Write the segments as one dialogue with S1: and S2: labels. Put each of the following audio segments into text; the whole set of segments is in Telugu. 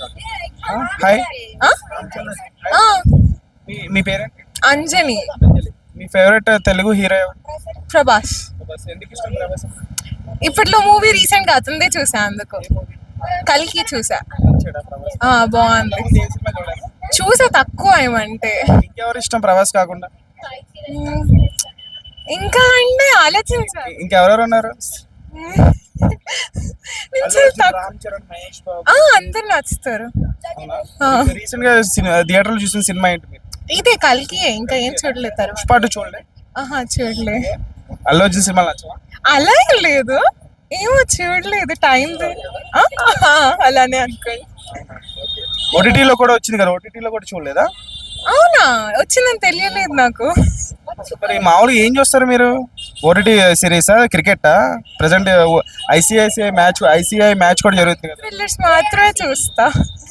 S1: హాయ్,
S2: ఆ? ఆ,
S1: మీ పేరేంటి?
S2: అంజని.
S1: మీ ఫేవరెట్ తెలుగు హీరో ఎవరు?
S2: ప్రభాస్.
S1: ఎందుకు ఇష్టం ప్రభాస్?
S2: ఇప్పట్లో మూవీ రీసెంట్ గా అతనిదే చూసా, అందుకు కల్కి చూసా.
S1: నచ్చాడా ప్రభాస్?
S2: బాగుంది.
S1: ఇంతకుముందు ఏ సినిమా చూడలేదా?
S2: చూసా తక్కువ ఏమంటే.
S1: ఇంకెవరు ఇష్టం ప్రభాస్ కాకుండా?
S2: మ్మ్. ఇంకా అంటే ఆలోచించాలి.
S1: ఇంకెవరెవరు ఉన్నారు?
S2: నేను చాలా తక్కువ.
S1: రామ్ చరణ్, మహేష్ బాబు.
S2: అందరు నచ్చుతారు.
S1: రీసెంట్ గా థియేటర్ లో చూసిన సినిమా ఏంటి మీరు?
S2: ఇదే కల్కి, ఇంకా ఏం చూడలేదు తర్వాత.
S1: పుష్పాటు చూడలే?
S2: చూడలే.
S1: అల్లు అర్జున్ సినిమా నచ్చవా?
S2: అలా ఏం లేదు, ఏమో చూడలేదు, టైం అలానే అనుకోండి.
S1: ఓటీటీలో కూడా వచ్చింది కదా, ఓటీటీలో కూడా చూడలేదా?
S2: అవునా, వచ్చిందని తెలియలేదు నాకు.
S1: మరి మామూలుగా ఏం చూస్తారు మీరు? ఓటీటీ సిరీసా, క్రికెటా? ప్రెసెంట్ ఐసీఐ మ్యాచ్ కూడా జరుగుతుంది కదా.
S2: థ్రిల్లర్స్ మాత్రమే చూస్తా.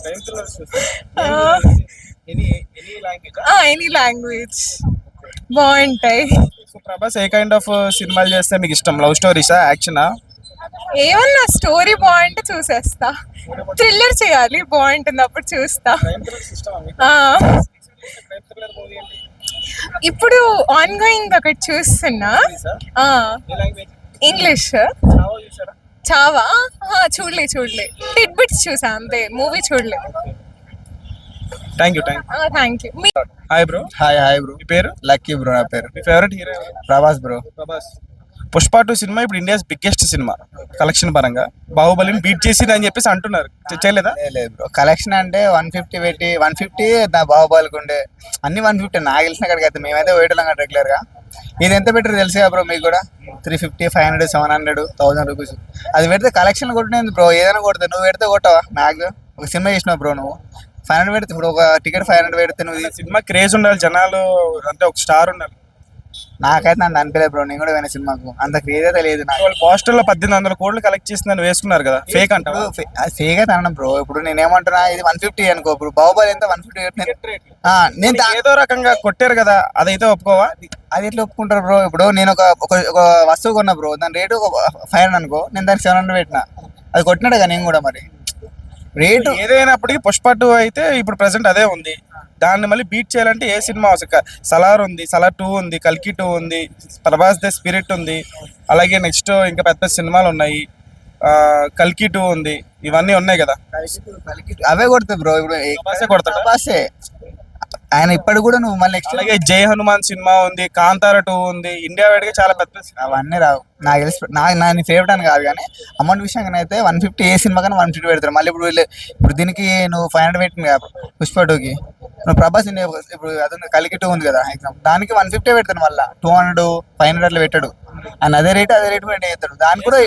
S2: ఎనీ లాంగ్వేజ్ బాగుంటాయి.
S1: ప్రభాస్ ఏ కైండ్ ఆఫ్ సినిమాలు చేస్తే మీకు ఇష్టం? లవ్ స్టోరీసా, యాక్షనా?
S2: ఏమన్నా స్టోరీ బాగుంటే చూసేస్తా. థ్రిల్లర్ చేయాలి, బాగుంటుంది, అప్పుడు చూస్తా. ఆ, ఇప్పుడు ఆన్ గోయింగ్ ఒకటి చూస్తున్నా. ఇంగ్లీష్. చావా చూడలే. టిట్ బిట్స్ చూసా అంతే, మూవీ చూడలే.
S1: Thank you.
S2: Thank you.
S1: Hi bro.
S3: Hi bro.
S1: మీ పేరు?
S3: లక్కీ బ్రో నా పేరు.
S1: మీ favourite hero?
S3: Prabhas bro.
S1: Prabhas. Pushpa 2 సినిమా ఇప్పుడు ఇండియాస్ బిగ్గెస్ట్ సినిమా కలెక్షన్ పరంగా. బాహుబలిని బీట్ చేసింది అని చెప్పేసి అంటున్నారు, చేయలేదా?
S3: లేదు బ్రో, కలెక్షన్ అంటే 150 పెట్టి 150 నా బాహుబలికి ఉండే అన్ని 150 నాకు తెలిసిన కాడికి అయితే మేమైతే వేయటం కదా రెగ్యులర్ గా. ఇది ఎంత పెట్టారు తెలుసు కదా బ్రో మీకు కూడా? 350, 500, 700, 1000 రూపీస్. అది పెడితే కలెక్షన్ కొట్టినది బ్రో, ఏదైనా కొడతావు. నువ్వు పెడితే కొట్టవా? మ్యాక్స్ ఒక సినిమా చేసినావు బ్రో, నువ్వు 500 పెడితే, ఇప్పుడు ఒక టికెట్ 500 పెడితే నువ్వు
S1: సినిమా క్రేజ్ ఉండాలి, జనాలు అంటే ఒక స్టార్ ఉండాలి.
S3: నాకైతే నన్ను అనిపించలేదు బ్రో, నేను కూడా పోయిన సినిమాకు అంత క్రేజ్ అయితే లేదు నాకు.
S1: వాళ్ళు పోస్టర్ లో 1800 కోట్లు కలెక్ట్ చేసిందని వేసుకున్నారు కదా, ఫేక్ అంట.
S3: అది ఫేక్ అయితే అనడం బ్రో. ఇప్పుడు నేను ఏమంటున్నా, ఇది 150 అనుకో, ఇప్పుడు బాహుబలి ఎంత 150 నేను
S1: ఏదో రకంగా కొట్టారు కదా, అదైతే ఒప్పుకోవా?
S3: అది ఎట్లా ఒప్పుకుంటారు బ్రో? ఇప్పుడు నేను ఒక వస్తువు కొన్నా బ్రో, దాని రేటు 500 అనుకో, నేను దానికి 700 పెట్టినా, అది కొట్టినాడు కదా నేను కూడా. మరి రేటు
S1: ఏదైనప్పటికీ పుష్ప 2 అయితే ఇప్పుడు ప్రెసెంట్ అదే ఉంది. దాన్ని మళ్ళీ బీట్ చేయాలంటే ఏ సినిమా అవసరం? సలార్ ఉంది, సలార్ 2 ఉంది, కల్కి 2 ఉంది, ప్రభాస్ ద స్పిరిట్ ఉంది, అలాగే నెక్స్ట్ ఇంకా పెద్ద సినిమాలు ఉన్నాయి, కల్కి 2 ఉంది, ఇవన్నీ ఉన్నాయి కదా.
S3: అవే కొడతాయి బ్రో. ఇప్పుడు ప్రభాసే ఆయన ఇప్పటి కూడా నువ్వు మళ్ళీ నెక్స్ట్.
S1: అలాగే జై హనుమాన్ సినిమా ఉంది, కాంతార 2 ఉంది, ఇండియా వైడ్గా చాలా పెద్ద.
S3: అవన్నీ రావు నాకు తెలిసి. నా ఫేవరెట్ అని కాదు, కానీ అమౌంట్ విషయంగా అయితే 150 ఏ సినిమా కానీ 150 పెడతారు. మళ్ళీ ఇప్పుడు దీనికి నువ్వు 500 పెట్టింది కదా పుష్ప 2కి, నువ్వు ప్రభాస్ ఇప్పుడు అదే కల్కి 2 ఉంది కదా ఎగ్జామ్, దానికి 150 పెడతాడు. మళ్ళీ 200, 500 అట్లా పెట్టాడు. ఆయన అదే రేట్ పెట్టి చేస్తాడు. దానికి కూడా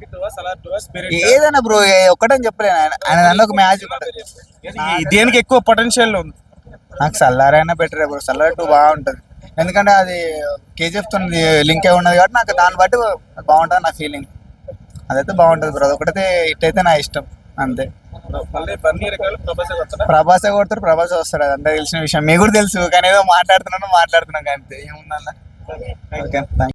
S3: ఏదైనా బ్రో ఒక్కటని చెప్పలేను. ఆయన దానిలో ఒక మ్యాచ్
S1: దేనికి ఎక్కువ పొటెన్షియల్ ఉంది?
S3: నాకు సల్లార్ అయినా బెటర్ బ్రో. సల్లార్ 2 బాగుంటుంది, ఎందుకంటే అది కేజీఎఫ్ తో లింక్ అయి ఉన్నది కాబట్టి నాకు దాన్ని బట్టి బాగుంటుంది నా ఫీలింగ్. అదైతే బాగుంటుంది బ్రో, అదొకటైతే హిట్ అయితే నా ఇష్టం అంతే. ప్రభాసే కొడతారు, ప్రభాసే వస్తారు, అది అంతా తెలిసిన విషయం. మీకు కూడా తెలుసు, కానీ ఏదో మాట్లాడుతున్నాను అంతే, ఏముందన్న. Okay, thank you.